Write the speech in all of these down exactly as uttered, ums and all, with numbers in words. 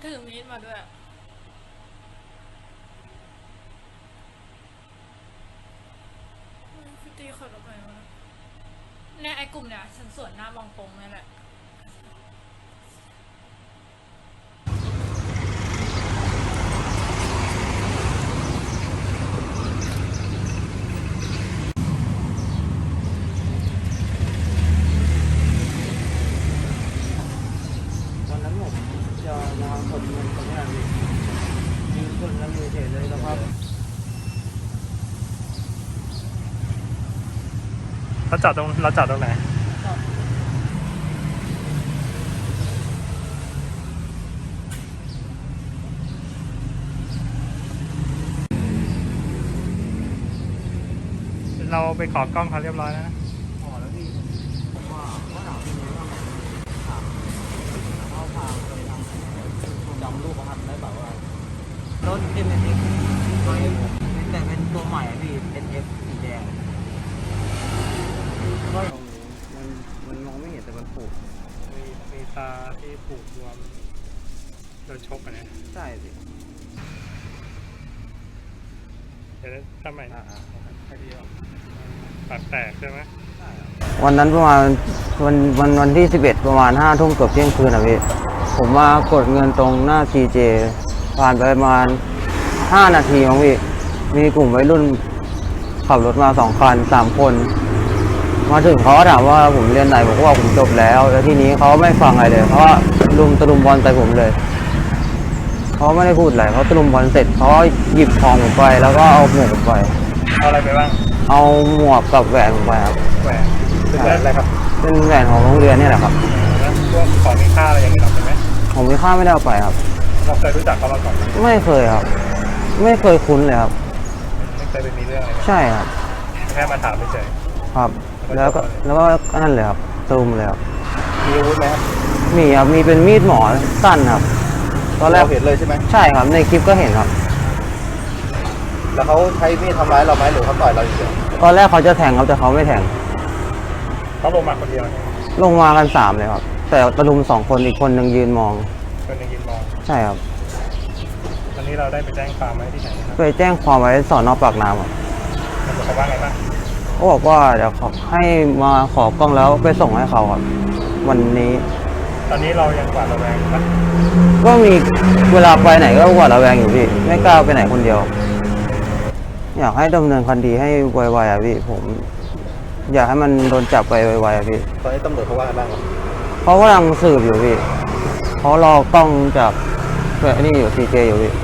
ถือมีดมาด้วยพี่ตีขับรถไปวะเนี่ยไอ้กลุ่มเนี่ยฉันสวนหน้าบางปงนี่แหละวันนั้นผมจะมาคนเงินคนนี้พี่ยืนคนแล้วมือเฉยเลยแล้วครับเราจอดตรงเราจอดตรงไหนเราไปขอกล้องเขาเรียบร้อยแล้วนะขอแล้วพี่ผมว่าว่าหนาวเป็นไงบ้างถามแล้วก็พาไปทำจำรูปครับได้แบบว่ารถ เอ็ม เอ็น เอ็กซ์ ตัว F แต่เป็นตัวใหม่อะพี่ เอ็น เอฟ สีแดงก็มันมันมองไม่เห็นแต่มันผูกมีมีตาที่ผูกรวมโดนชกอันนี้ใช่พี่เดี๋ยวทำไมอ่าใช่พี่ปากแตกใช่ไหมวันนั้นประมาณวันวันวันที่สิบเอ็ดประมาณห้าทุ่มเกือบเที่ยงคืนอ่ะพี่ผมมากดเงินตรงหน้า ซี เจ ผ่านไปประมาณห้านาทีมั้งพี่มีกลุ่มวัยรุ่นขับรถมาสองคันสามคนมาถึงเขาก็ถามว่าผมเรียนไหนผมก็บอกผมจบแล้วแล้วทีนี้เขาไม่ฟังอะไรเลยเพราะว่าลุมตะลุมบอลใส่ผมเลยเขาไม่ได้พูดอะไรเขาตะลุมบอลเสร็จเขาหยิบทองผมไปแล้วก็เอาหมวกผมไปเอาอะไรไปบ้างเอาหมวกกับแหวนผมไปครับแหวนเป็นแหวนอะไรครับเป็นแหวนของโรงเรียนนี่แหละครับแล้วพวกของมีค่าอะไรอย่างเงี้ยเราใช่ไหมผมมีค่าไม่ได้เอาไปครับเราเคยรู้จักเขามาก่อนไหมไม่เคยครับ ไม่เคยคุ้นเลยครับไม่เคยไปมีเรื่องอะไรกันใช่ครับแค่มาถามเฉยครับ แล้วก็แล้วก็นั่นเลยครับตูมเลยครับมีอาวุธไหมครับมีครับมีเป็นมีดหมอสั้นครับตอนแรกเห็นเลยใช่ไหมใช่ครับในคลิปก็เห็นครับแล้วเขาใช้มีดทำร้ายเราไหมหรือเขาต่อยเราอย่างเดียวตอนแรกเขาจะแทงครับแต่เขาไม่แทงเขาลงมาคนเดียวเนี่ยลงมากันสามเลยครับ แต่ตะลุมสองคนอีกคนหนึ่งยืนมองคนหนึงยืนมองใช่ครับวันนี้เราได้ไปแจ้งความไว้ที่ไหนนะครับไปแจ้งความไว้สอนอปากน้ำครับตำรวจเขาว่าไงบ้างเขาบอกว่าเดี๋ยวเขาให้มาขอกล้องแล้วไปส่งให้เขาครับวันนี้ตอนนี้เรายังหวาดระแวงอยู่ปะก็มีเวลาไปไหนก็หวาดระแวงอยู่พี่ไม่กล้าไปไหนคนเดียว อยากให้ดำเนินคดีให้ไวๆอ่ะพี่ผม อยากให้มันโดนจับไปไวๆอ่ะพี่ตอนนี้ตำรวจเขาว่าไงบ้างครับเขากำลังสืบอยู่พี่เขารอกล้องจากแบบนี่อยู่ซีเจอยู่พี่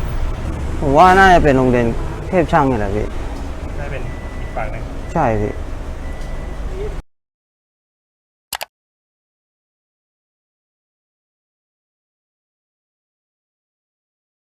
ผมว่าน่าจะเป็นโรงเรียนเทพช่างนี่แหละพี่ได้เป็นอีกฝั่งหนึ่งใช่พี่อ